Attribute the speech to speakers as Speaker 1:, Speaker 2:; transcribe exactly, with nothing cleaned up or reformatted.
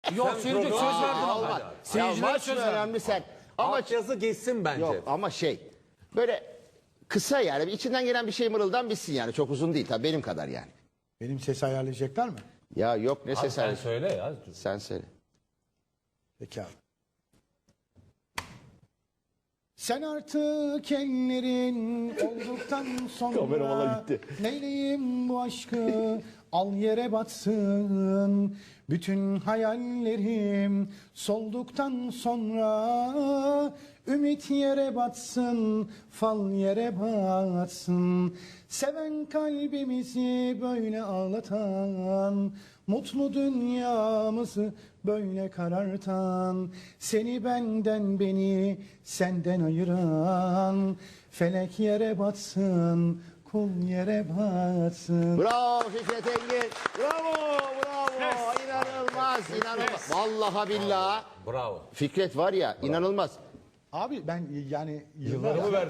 Speaker 1: Yok seyirci söz verdim ama.
Speaker 2: Olmaz. Ya
Speaker 1: Seyircilere
Speaker 2: maç
Speaker 1: söz
Speaker 2: mı
Speaker 1: verdim.
Speaker 2: önemli sen? Ama
Speaker 3: Altyazı geçsin bence.
Speaker 2: yok ama şey böyle kısa yani içinden gelen bir şey mırıldan bitsin yani çok uzun değil tabii benim kadar yani.
Speaker 4: Benim ses ayarlayacaklar mı?
Speaker 2: Ya yok ne ses
Speaker 1: Sen
Speaker 2: sen,
Speaker 1: söyle ya.
Speaker 2: sen söyle.
Speaker 4: Peki abi. Sen artık ellerin olduktan sonra neyleyim bu aşkı al yere batsın. Bütün hayallerim solduktan sonra ümit yere batsın, fal yere batsın. Seven kalbimizi böyle ağlatan, mutlu dünyamızı böyle karartan, seni benden beni senden ayıran, felek yere batsın, kul yere batsın.
Speaker 2: Bravo Fikret Engin. Bravo bravo. İnanılmaz inanılmaz. Vallahi billahi
Speaker 1: Bravo.
Speaker 2: Fikret var ya inanılmaz.
Speaker 4: Abi ben yani
Speaker 1: Yıllarımı verdim.